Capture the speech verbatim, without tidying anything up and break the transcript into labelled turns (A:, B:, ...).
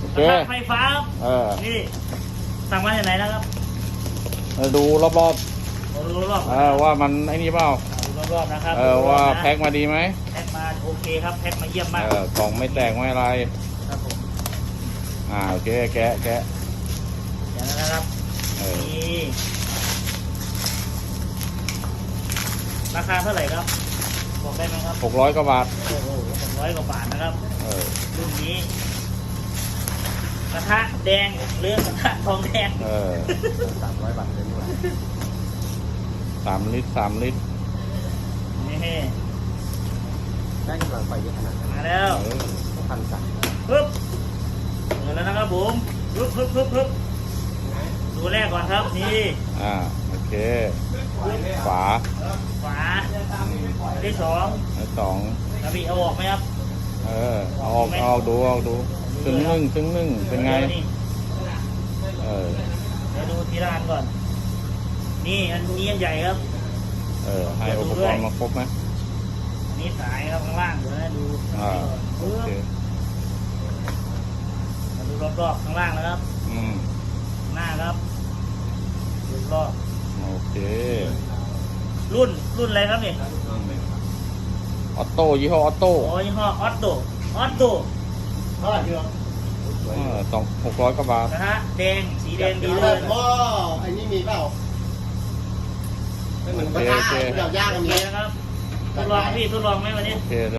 A: เค
B: ไฟฟ้า
A: เออ
B: นี่สั่งมาจากไหนนะครับ
A: ดูรอบ
B: ดูรอบ
A: ๆเออว่ามันไอ้นี่เปล่า
B: ดูรอบๆนะครับ
A: เออว่าแพ็คมาดีไหม
B: แพ็คมาโอเคครับแพ็คมาเยี่ยมมาก
A: เออกล่องไม่แตกไม่อะไร
B: ครับผม
A: อ่าโอเคแกะแกะ
B: อย่างนั้นนะครับ
A: เออ
B: นี่ราคาเท่าไหร่ครับบอกได้ไหมครับ
A: หกร้อยกว่าบาท
B: โอ้โหหกร้อยกว่าบาทนะครับ
A: เออ
B: รุ่นนี้กระทะแดงหรือกระทะทองแดง
A: เออ
C: สามร้อยบาทเลยดีกว่า
A: สามลิตรสามลิตร
B: นี่
C: ได้กำลังไฟเยอะขนาดนั้น
B: มาแล้ว
A: เออ
C: พันสาม
B: ปึ๊บเปิดแล้วนะครับผมปึ๊บปึ๊บปึ๊บปึ๊บดูแรกก่อนครับนี่
A: อ่าโอเคฝา
B: ฝา
A: อืม
B: อันที่สอง
A: อันสอง
B: กระบี่เอาออกไหมครับ
A: เออเอาออกเอาออกดูเอาดูซึ่งนึ่งซึ่งนึ่งเป็นไง
B: นี่
A: เออ
B: เดี๋ยวดูทีละอันก่อน นี่อันนี้อันใหญ่ครับ
A: เออให้อุปกรณ์มาครบไหม
B: อันนี้สายครับข้างล่างเดี๋ยวนะดู
A: อ่าโอ
B: ปึ๊บ
A: เค
B: มาดูรอบๆข้างล่างนะครับ
A: อืม
B: หน้าครับดูรอบ
A: โอเค
B: รุ่นรุ่นอะไรครับนี่
A: ออโต้ยี่ห้อออโต้
B: โอ้ยี่ห้อออตโตออตโต
C: เท่าไหร่พี่น้อง
A: เออสองหกร้อยกว่าบาท
B: นะฮะแดงสีแดงดีเล
C: แต่
B: ย
C: ว่าไอ้นี่มีเปล่าไม่เหมือนกระทะเดี๋ยวย่าง
B: โอ
C: กัน
B: เค
C: มี
B: นะครับทดลองพี่ทดลองไหมวันนี้
A: โอเค